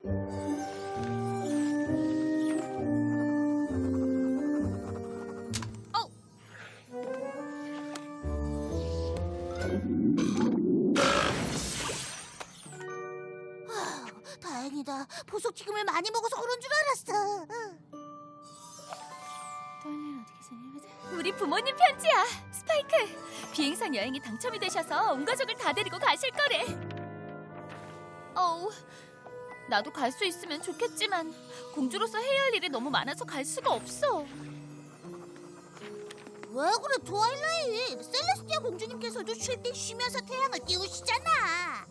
다행이다. 보석튀김을 많이 먹어서 그런 줄 알았어. 우리 부모님 편지야. 스파이크, 비행선 여행이 당첨이 되셔서 온 가족을 다 데리고 가실 거래. 나도 갈 수 있으면 좋겠지만 공주로서 해야 할 일이 너무 많아서 갈 수가 없어. 왜 그래, 트와일라잇? 셀레스티아 공주님께서도 쉴 때 쉬면서 태양을 띄우시잖아.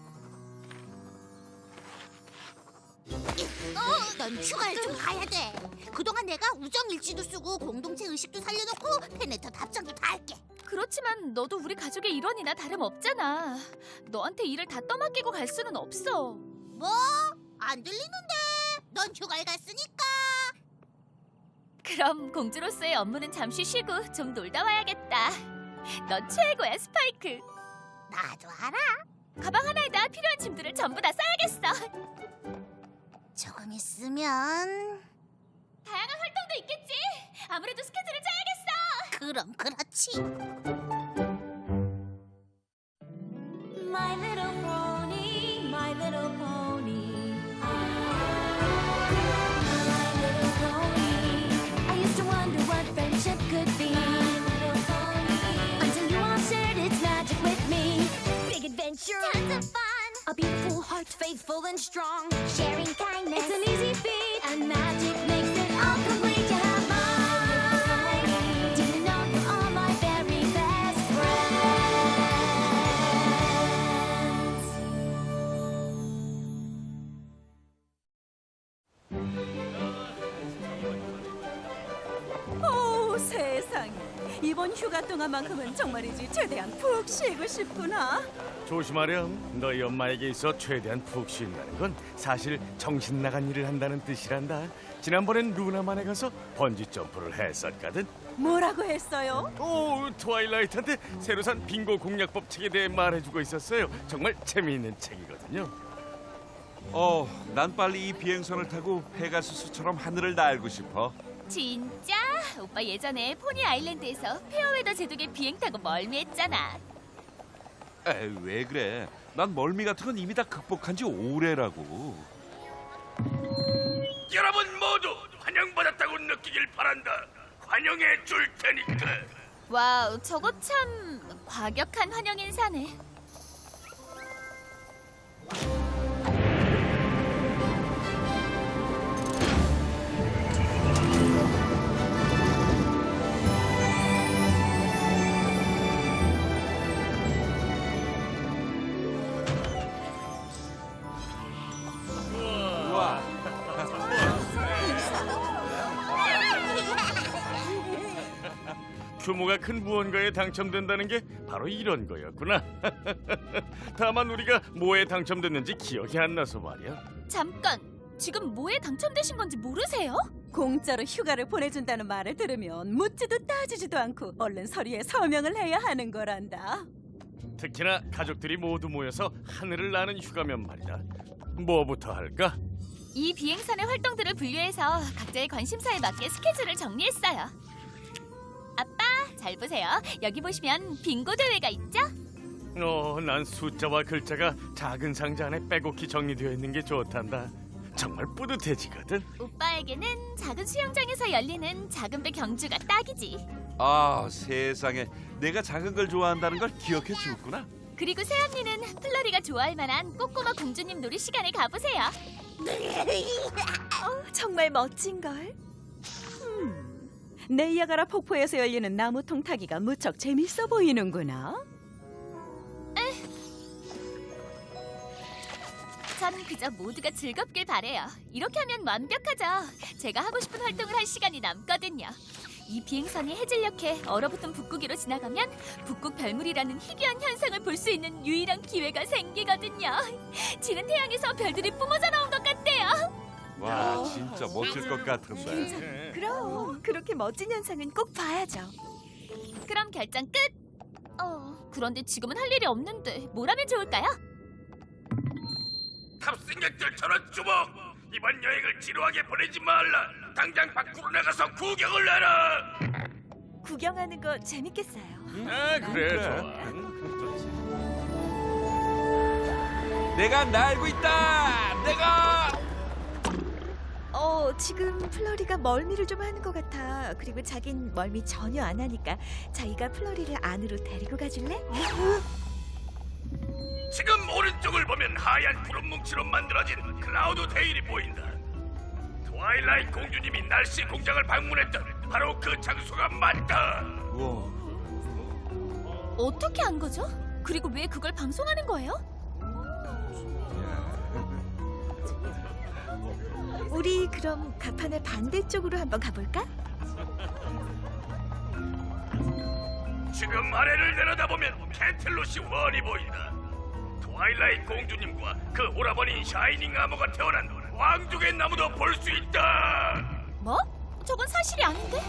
넌 휴가를 좀 가야 돼. 그동안 내가 우정일지도 쓰고 공동체 의식도 살려놓고 페네터 답장도 다 할게. 그렇지만 너도 우리 가족의 일원이나 다름없잖아. 너한테 일을 다 떠맡기고 갈 수는 없어. 뭐? 안 들리는데. 넌 휴가를 갔으니까. 그럼 공주로서의 업무는 잠시 쉬고 좀 놀다 와야겠다. 넌 최고야, 스파이크. 나도 알아. 가방 하나에다 필요한 짐들을 전부 다 싸야겠어. 조금 있으면. 다양한 활동도 있겠지. 아무래도 스케줄을 짜야겠어. 그럼 그렇지. My little pony, my little pony. My little pony. I used to wonder what friendship could be. My little pony. Until you all shared its magic with me. Big adventure, tons of fun. A beautiful heart, faithful and strong. Sharing kindness, it's an easy feat. And magic makes it all complete. You have mine. Do you know you are my very best friends? 오, 세상에. 이번 휴가 동안만큼은 정말이지 최대한 푹 쉬고 싶구나. 조심하렴. 너희 엄마에게 있어 최대한 푹 쉰다는 건 사실 정신 나간 일을 한다는 뜻이란다. 지난번엔 루나만에 가서 번지 점프를 했었거든. 뭐라고 했어요? 오, 트와일라이트한테 새로 산 빙고 공략법 책에 대해 말해주고 있었어요. 정말 재미있는 책이거든요. 난 빨리 이 비행선을 타고 페가수스처럼 하늘을 날고 싶어. 진짜? 오빠 예전에 포니 아일랜드에서 페어웨더 제독의 비행 타고 멀미했잖아. 에이, 왜 그래? 난 멀미 같은 건 이미 다 극복한 지 오래라고. 여러분 모두 환영받았다고 느끼길 바란다. 환영해 줄 테니까. 와우, 저거 참 과격한 환영 인사네. 우와. 규모가 큰 무언가에 당첨된다는 게 바로 이런 거였구나. 다만 우리가 뭐에 당첨됐는지 기억이 안 나서 말이야. 잠깐, 지금 뭐에 당첨되신 건지 모르세요? 공짜로 휴가를 보내준다는 말을 들으면 묻지도 따지지도 않고 얼른 서류에 서명을 해야 하는 거란다. 특히나 가족들이 모두 모여서 하늘을 나는 휴가면 말이다. 뭐부터 할까? 이 비행선의 활동들을 분류해서 각자의 관심사에 맞게 스케줄을 정리했어요. 아빠, 잘 보세요. 여기 보시면 빙고 대회가 있죠? 난 숫자와 글자가 작은 상자 안에 빼곡히 정리되어 있는 게 좋단다. 정말 뿌듯해지거든. 오빠에게는 작은 수영장에서 열리는 작은 배 경주가 딱이지. 아, 세상에. 내가 작은 걸 좋아한다는 걸 기억해 주었구나. 그리고 새언니는 플러리가 좋아할 만한 꼬꼬마 공주님 놀이 시간에 가보세요. 정말 멋진걸? 네이아가라 폭포에서 열리는 나무통 타기가 무척 재밌어 보이는구나. 전 그저 모두가 즐겁길 바래요. 이렇게 하면 완벽하죠. 제가 하고 싶은 활동을 할 시간이 남거든요. 이 비행선이 해질녘에 얼어붙은 북극으로 지나가면 북극 별물이라는 희귀한 현상을 볼 수 있는 유일한 기회가 생기거든요. 지는 태양에서 별들이 뿜어져 나온 것 같대요. 와, 진짜 멋질 것 같은데. 그럼 그렇게 멋진 현상은 꼭 봐야죠. 그럼 결정 끝! 그런데 지금은 할 일이 없는데 뭘 하면 좋을까요? 탑승객들 전원 주목! 이번 여행을 지루하게 보내지 말라! 당장 밖으로 나가서 구경을 해라! 구경하는 거 재밌겠어요. 아, 그래, 좋아. 내가 날고 있다. 내가 지금 플러리가 멀미를 좀 하는 것 같아. 그리고 자긴 멀미 전혀 안 하니까 자기가 플러리를 안으로 데리고 가줄래? 지금 오른쪽을 보면 하얀 구름 뭉치로 만들어진 클라우드 데일이 보인다. 트와일라이트 공주님이 날씨 공장을 방문했던 바로 그 장소가 맞다. 우와. 어떻게 한 거죠? 그리고 왜 그걸 방송하는 거예요? 우리 그럼 가판의 반대쪽으로 한번 가볼까? 지금 아래를 내려다보면 캐틀로시 원이 보인다. 트와일라이트 공주님과 그 오라버니 샤이닝 아머가 태어난 왕족의 나무도 볼 수 있다. 뭐? 저건 사실이 아닌데?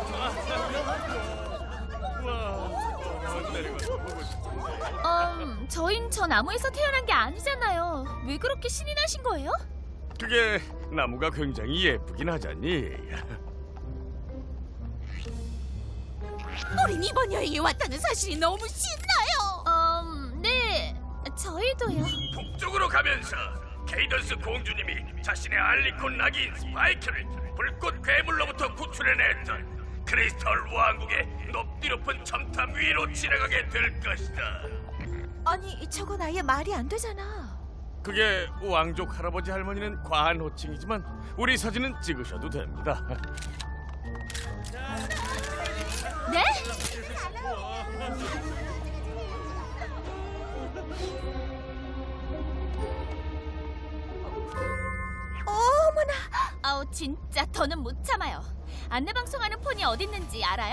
저흰 저 나무에서 태어난 게 아니잖아요. 왜 그렇게 신이 나신 거예요? 그게 나무가 굉장히 예쁘긴 하잖니. 우린 이번 여행에 왔다는 사실이 너무 신나요. 네, 저희도요. 북쪽으로 가면서 케이던스 공주님이 자신의 알리콘 아기인 스파이크를 불꽃 괴물로부터 구출해냈던 크리스털 왕국의 높디 높은 첨탑 위로 지나가게 될 것이다. 아니, 저건 아예 말이 안 되잖아. 그게 왕족 할아버지 할머니는 과한 호칭이지만 우리 사진은 찍으셔도 됩니다. 네? 어머나! 아우 진짜 더는 못 참아요. 안내 방송하는 폰이 어디 있는지 알아요?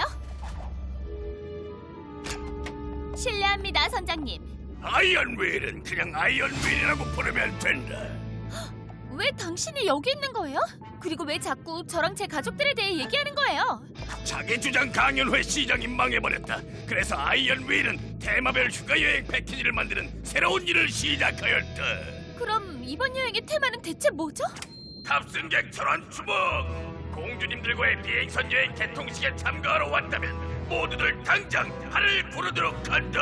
실례합니다, 선장님. 아이언윌은 그냥 아이언윌이라고 부르면 된다. 왜 당신이 여기 있는 거예요? 그리고 왜 자꾸 저랑 제 가족들에 대해 얘기하는 거예요? 자기 주장 강연회 시장이 망해버렸다. 그래서 아이언윌은 테마별 휴가여행 패키지를 만드는 새로운 일을 시작하였다. 그럼 이번 여행의 테마는 대체 뭐죠? 탑승객 전원 주목! 공주님들과의 비행선 여행 개통식에 참가하러 왔다면 모두들 당장 하늘 부르도록 한다.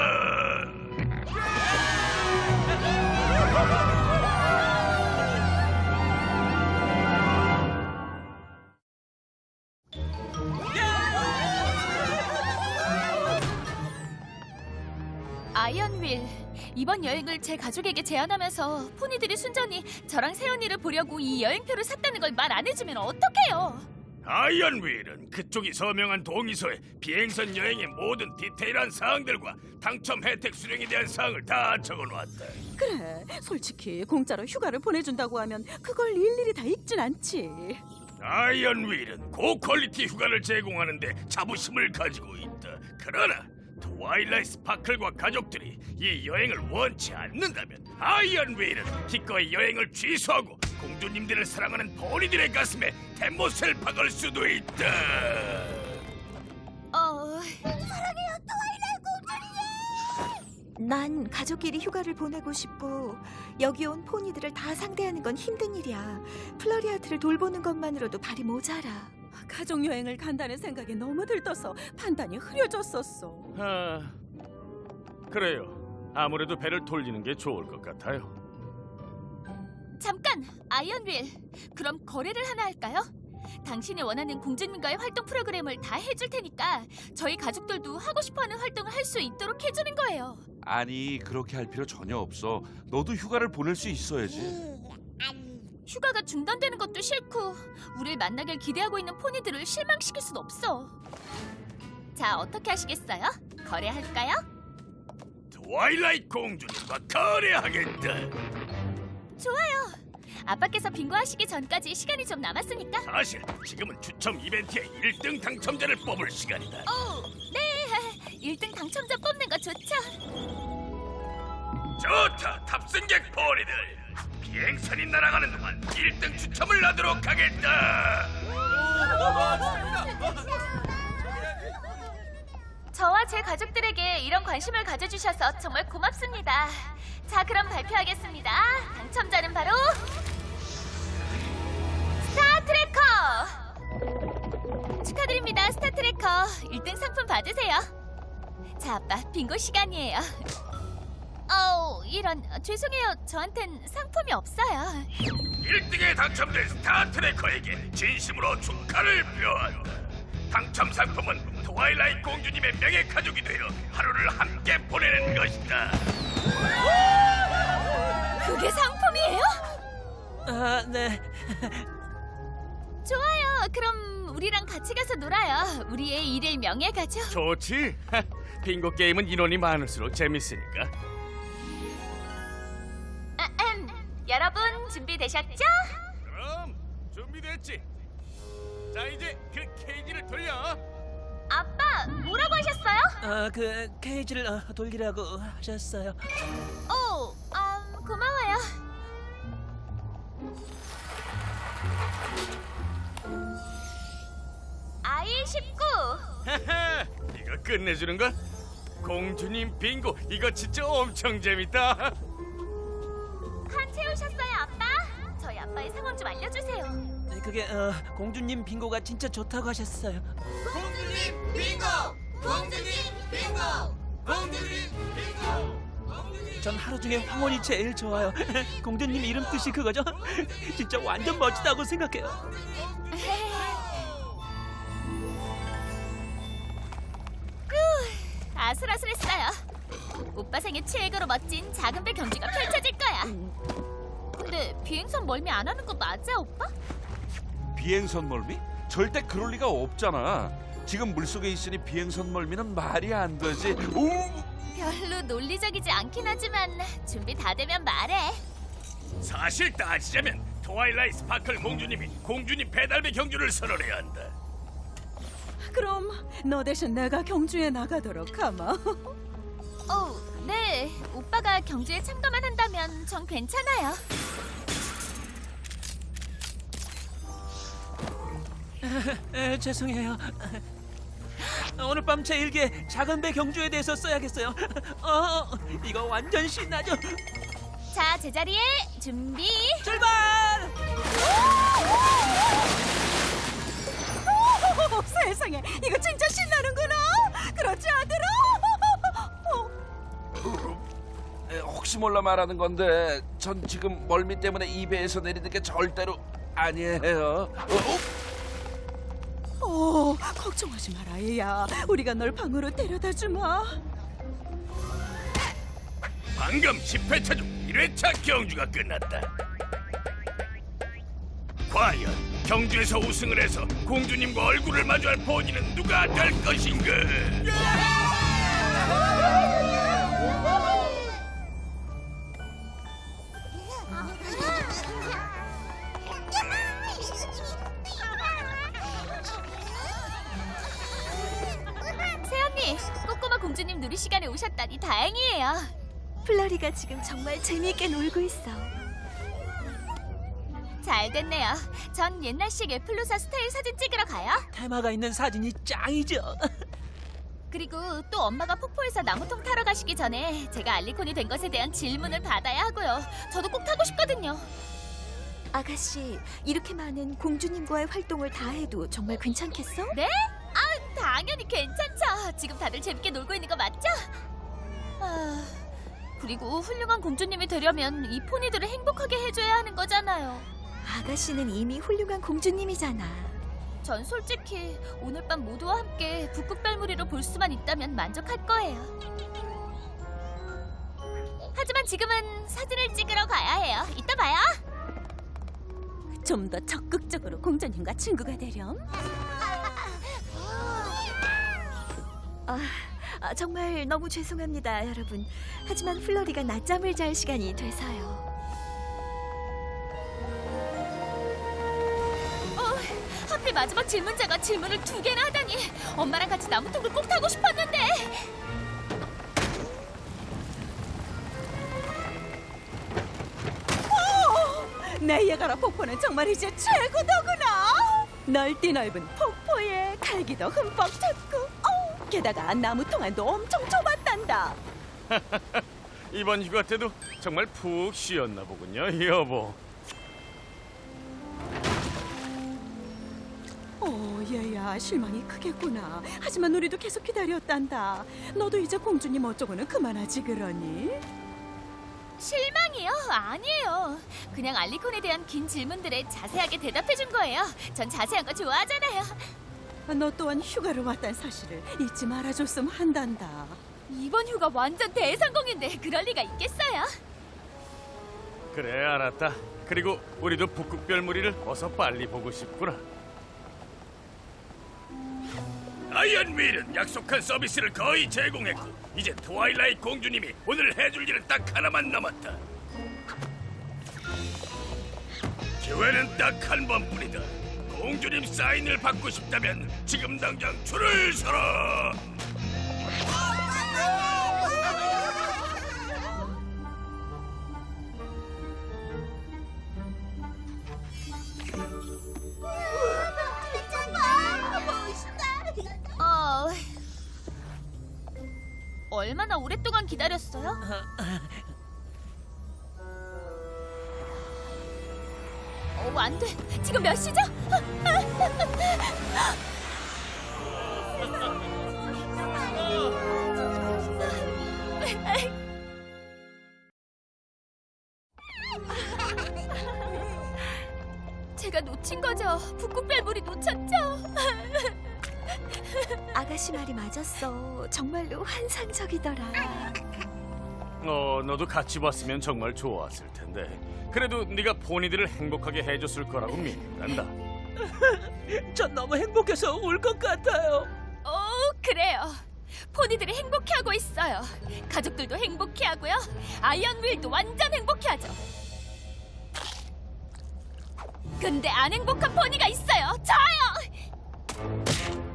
아이언윌, 이번 여행을 제 가족에게 제안하면서 포니들이 순전히 저랑 세연이를 보려고 이 여행표를 샀다는 걸 말 안 해주면 어떡해요? 아이언윌은 그쪽이 서명한 동의서에 비행선 여행의 모든 디테일한 사항들과 당첨 혜택 수령에 대한 사항을 다 적어놓았다. 그래, 솔직히 공짜로 휴가를 보내준다고 하면 그걸 일일이 다 읽진 않지. 아이언윌은 고퀄리티 휴가를 제공하는데 자부심을 가지고 있다. 그러나 트와일라이트 스파클과 가족들이 이 여행을 원치 않는다면 아이언윌은 기꺼이 여행을 취소하고 공주님들을 사랑하는 포니들의 가슴에 대못을 박을 수도 있다. 난 가족끼리 휴가를 보내고 싶고 여기 온 포니들을 다 상대하는 건 힘든 일이야. 플러리아트를 돌보는 것만으로도 발이 모자라. 가족 여행을 간다는 생각에 너무 들떠서 판단이 흐려졌었어. 아, 그래요. 아무래도 배를 돌리는 게 좋을 것 같아요. 잠깐, 아이언윌. 그럼 거래를 하나 할까요? 당신이 원하는 공주님과의 활동 프로그램을 다 해줄 테니까 저희 가족들도 하고 싶어하는 활동을 할 수 있도록 해주는 거예요. 아니, 그렇게 할 필요 전혀 없어. 너도 휴가를 보낼 수 있어야지. 휴가가 중단되는 것도 싫고 우릴 만나길 기대하고 있는 포니들을 실망시킬 순 없어. 자, 어떻게 하시겠어요? 거래할까요? 트와일라이트 공주님과 거래하겠다. 좋아요. 아빠께서 빙고하시기 전까지 시간이 좀 남았으니까. 사실 지금은 추첨 이벤트의 1등 당첨자를 뽑을 시간이다. 네. 1등 당첨자 뽑는 거 좋죠. 좋다, 탑승객 포니들. 비행선이 날아가는 동안 1등 추첨을 하도록 하겠다. 저와 제 가족들에게 이런 관심을 가져주셔서 정말 고맙습니다. 자, 그럼 발표하겠습니다. 당첨자는 바로 스타트래커! 축하드립니다, 스타트래커. 1등 상품 받으세요. 자, 아빠, 빙고 시간이에요. 이런, 죄송해요. 저한텐 상품이 없어요. 1등에 당첨된 스타트래커에게 진심으로 축하를 표한다. 당첨 상품은 트와일라이트 공주님의 명예 가족이 되어 하루를 함께 보내는 것이다. 그게 상품이에요? 아, 네. 좋아요. 그럼 우리랑 같이 가서 놀아요. 우리의 일일 명예 가족. 좋지? 빙고 게임은 인원이 많을수록 재밌으니까. 여러분 준비되셨죠? 그럼 준비됐지? 자, 이제 그 케이지를 돌려. 아빠, 뭐라고 하셨어요? 그 케이지를 돌리라고 하셨어요. 고마워요. 아이 19. 이거 끝내주는 걸? 공주님 빙고 이거 진짜 엄청 재밌다. 칸 채우셨어요, 아빠? 저희 아빠의 상황 좀 알려주세요. 그게 공주님 빙고가 진짜 좋다고 하셨어요. 공주님 빙고! 공주님 빙고! 공주님 빙고! 전 하루 중에 황혼이 제일 좋아요. 공주님 이름 뜻이 그거죠? 진짜 완전 멋지다고 생각해요. 아슬아슬했어요. 오빠 생애 최고로 멋진 작은 배 경주가 펼쳐질 거야. 근데 비행선 멀미 안 하는 거 맞아, 오빠? 비행선 멀미? 절대 그럴 리가 없잖아. 지금 물속에 있으니 비행선 멀미는 말이 안 되지. 오! 별로 논리적이지 않긴 하지만 준비 다 되면 말해. 사실 따지자면 트와일라이트 스파클 공주님이 공주님 배달배 경주를 선언해야 한다. 그럼 너 대신 내가 경주에 나가도록 하마. 네. 오빠가 경주에 참가만 한다면 전 괜찮아요. 죄송해요. 오늘 밤 제 일기에 작은 배 경주에 대해서 써야겠어요. 이거 완전 신나죠? 자, 제자리에 준비. 출발! 세상에, 이거 진짜 신나는구나. 그렇지 않더라? 혹시 몰라 말하는 건데 전 지금 멀미 때문에 이 배에서 내리는 게 절대로 아니에요. 걱정하지 마라, 얘야. 우리가 널 방으로 데려다 주마. 방금 10회차 중 1회차 경주가 끝났다. 과연 경주에서 우승을 해서 공주님과 얼굴을 마주할 본인은 누가 될 것인가? 새언니, 꼬꼬마 공주님 누리 시간에 오셨다니 다행이에요. 플러리가 지금 정말 재미있게 놀고 있어. 잘 됐네요. 전 옛날식 애플로사 스타일 사진 찍으러 가요. 테마가 있는 사진이 짱이죠. 그리고 또 엄마가 폭포에서 나무통 타러 가시기 전에 제가 알리콘이 된 것에 대한 질문을 받아야 하고요. 저도 꼭 타고 싶거든요. 아가씨, 이렇게 많은 공주님과의 활동을 다 해도 정말 괜찮겠어? 네? 당연히 괜찮죠. 지금 다들 재밌게 놀고 있는 거 맞죠? 그리고 훌륭한 공주님이 되려면 이 포니들을 행복하게 해줘야 하는 거잖아요. 아가씨는 이미 훌륭한 공주님이잖아. 전 솔직히 오늘 밤 모두와 함께 북극별무리로 볼 수만 있다면 만족할 거예요. 하지만 지금은 사진을 찍으러 가야 해요. 이따 봐요. 좀 더 적극적으로 공주님과 친구가 되렴. 정말 너무 죄송합니다, 여러분. 하지만 플러리가 낮잠을 잘 시간이 돼서요. 하필 마지막 질문자가 질문을 2개나 하다니. 엄마랑 같이 나무통을 꼭 타고 싶었는데. 나이아가라 폭포는 정말 이제 최고더구나. 넓디 넓은 폭포에 갈기도 흠뻑 쳤고 게다가 나무 통안도 엄청 좁았단다. 이번 휴가 때도 정말 푹 쉬었나 보군요, 여보. 얘야, 실망이 크겠구나. 하지만 우리도 계속 기다렸단다. 너도 이제 공주님 어쩌고는 그만하지 그러니? 실망이요? 아니에요. 그냥 알리콘에 대한 긴 질문들에 자세하게 대답해준 거예요. 전 자세한 거 좋아하잖아요. 너 또한 휴가를 왔다는 사실을 잊지 말아줬으면 한단다. 이번 휴가 완전 대성공인데 그럴 리가 있겠어요? 그래, 알았다. 그리고 우리도 북극별무리를 어서 빨리 보고 싶구나. 아이언윌은 약속한 서비스를 거의 제공했고 이제 트와일라이트 공주님이 오늘 해줄 일은 딱 하나만 남았다. 기회는 딱 한 번뿐이다. 공주님 사인을 받고 싶다면 지금 당장 줄을 서라. 얼마나 오랫동안 기다렸어요? 안 돼. 지금 몇 시죠? 제가 놓친 거죠. 북극별물이 놓쳤죠. 아가씨 말이 맞았어. 정말로 환상적이더라. 너도 같이 봤으면 정말 좋았을 텐데. 그래도 네가 포니들을 행복하게 해줬을 거라고 믿는다. 전 너무 행복해서 울 것 같아요. 그래요. 포니들이 행복해하고 있어요. 가족들도 행복해하고요. 아이언윌도 완전 행복해하죠. 근데 안 행복한 포니가 있어요. 저요.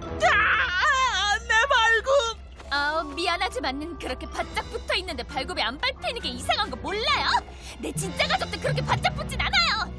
내 발굽! 미안하지만 그렇게 바짝 붙어 있는데 발굽이 안 밟히는 게 이상한 거 몰라요? 내 진짜 가족들 그렇게 바짝 붙진 않아요.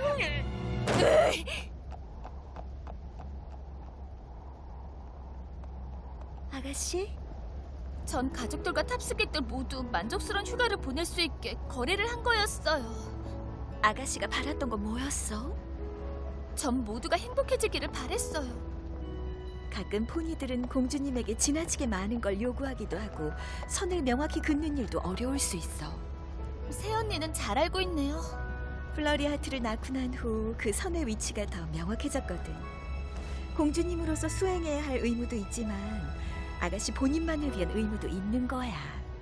아가씨? 전 가족들과 탑승객들 모두 만족스러운 휴가를 보낼 수 있게 거래를 한 거였어요. 아가씨가 바랐던 건 뭐였어? 전 모두가 행복해지기를 바랬어요. 가끔 포니들은 공주님에게 지나치게 많은 걸 요구하기도 하고 선을 명확히 긋는 일도 어려울 수 있어. 새언니는 잘 알고 있네요. 플러리하트를 낳고 난 후 그 선의 위치가 더 명확해졌거든. 공주님으로서 수행해야 할 의무도 있지만 아가씨 본인만을 위한 의무도 있는 거야.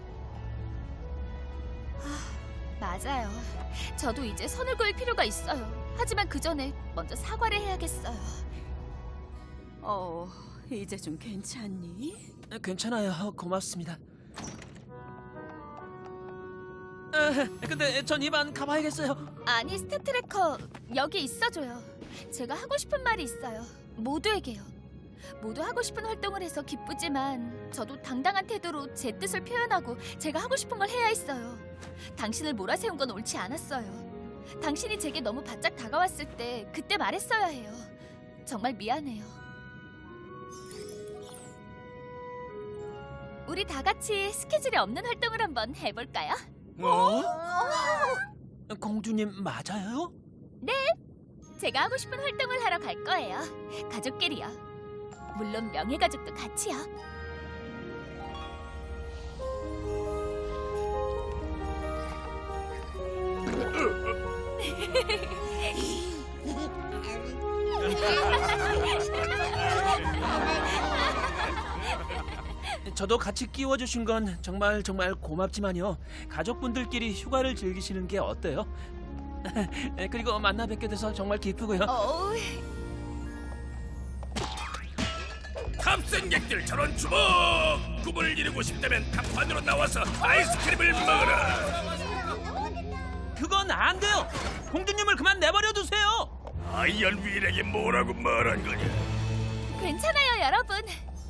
맞아요. 저도 이제 선을 그을 필요가 있어요. 하지만 그 전에 먼저 사과를 해야겠어요. 이제 좀 괜찮니? 괜찮아요. 고맙습니다. 근데 전 이만 가봐야겠어요. 아니, 스태트래커 여기 있어줘요. 제가 하고 싶은 말이 있어요. 모두에게요. 모두 하고 싶은 활동을 해서 기쁘지만 저도 당당한 태도로 제 뜻을 표현하고 제가 하고 싶은 걸 해야 했어요. 당신을 몰아세운 건 옳지 않았어요. 당신이 제게 너무 바짝 다가왔을 때 그때 말했어야 해요. 정말 미안해요. 우리 다 같이 스케줄이 없는 활동을 한번 해볼까요? 공주님 맞아요? 제가 하고 싶은 활동을 하러 갈 거예요. 가족끼리요. 물론 명예가족도 같이요. 저도 같이 끼워주신 건 정말 고맙지만요. 가족분들끼리 휴가를 즐기시는 게 어때요? 그리고 만나 뵙게 돼서 정말 기쁘고요. 탑승객들 저런 주먹! 꿈을 이루고 싶다면 갑판으로 나와서 아이스크림을 먹어라. 그건 안 돼요. 공주님을 그만 내버려 두세요. 아이언윌에게 뭐라고 말한 거냐? 괜찮아요, 여러분.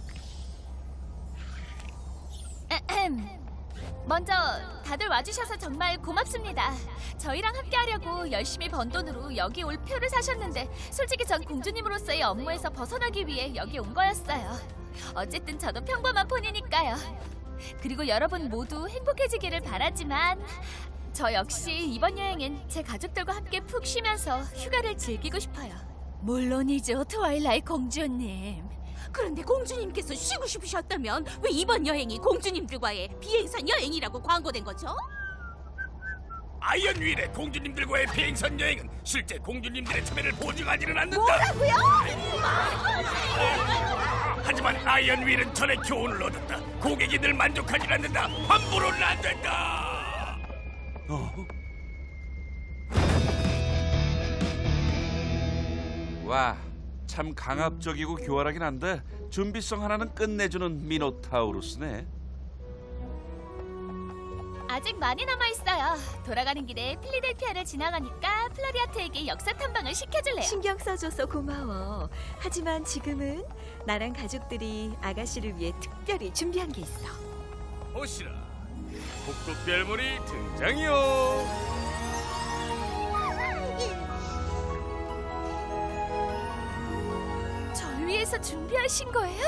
먼저 다들 와주셔서 정말 고맙습니다. 저희랑 함께하려고 열심히 번 돈으로 여기 올 표를 사셨는데 솔직히 전 공주님으로서의 업무에서 벗어나기 위해 여기 온 거였어요. 어쨌든 저도 평범한 폰이니까요. 그리고 여러분 모두 행복해지기를 바라지만 저 역시 이번 여행엔 제 가족들과 함께 푹 쉬면서 휴가를 즐기고 싶어요. 물론이죠, 트와일라이트 공주님. 그런데 공주님께서 쉬고 싶으셨다면 왜 이번 여행이 공주님들과의 비행선 여행이라고 광고된 거죠? 아이언윌의 공주님들과의 비행선 여행은 실제 공주님들의 참여를 보증하지는 않는다. 뭐라고요? 하지만 아이언윌은 전에 교훈을 얻었다. 고객이 늘 만족하지 않는다. 함부로는 안 된다. 와, 참 강압적이고 교활하긴 한데 준비성 하나는 끝내주는 미노타우루스네. 아직 많이 남아있어요. 돌아가는 길에 필리델피아를 지나가니까 플라리아트에게 역사 탐방을 시켜줄래요. 신경 써줘서 고마워. 하지만 지금은 나랑 가족들이 아가씨를 위해 특별히 준비한 게 있어. 보시라, 북극별물이 등장이요. 절 위해서 준비하신 거예요?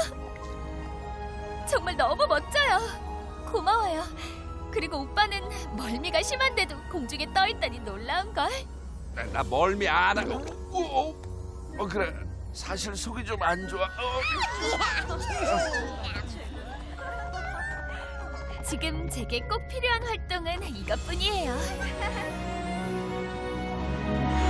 정말 너무 멋져요. 고마워요. 그리고 오빠는 멀미가 심한데도 공중에 떠있다니 놀라운걸. 나 멀미 안 하고. 그래, 사실 속이 좀 안 좋아. 지금 제게 꼭 필요한 활동은 이것뿐이에요.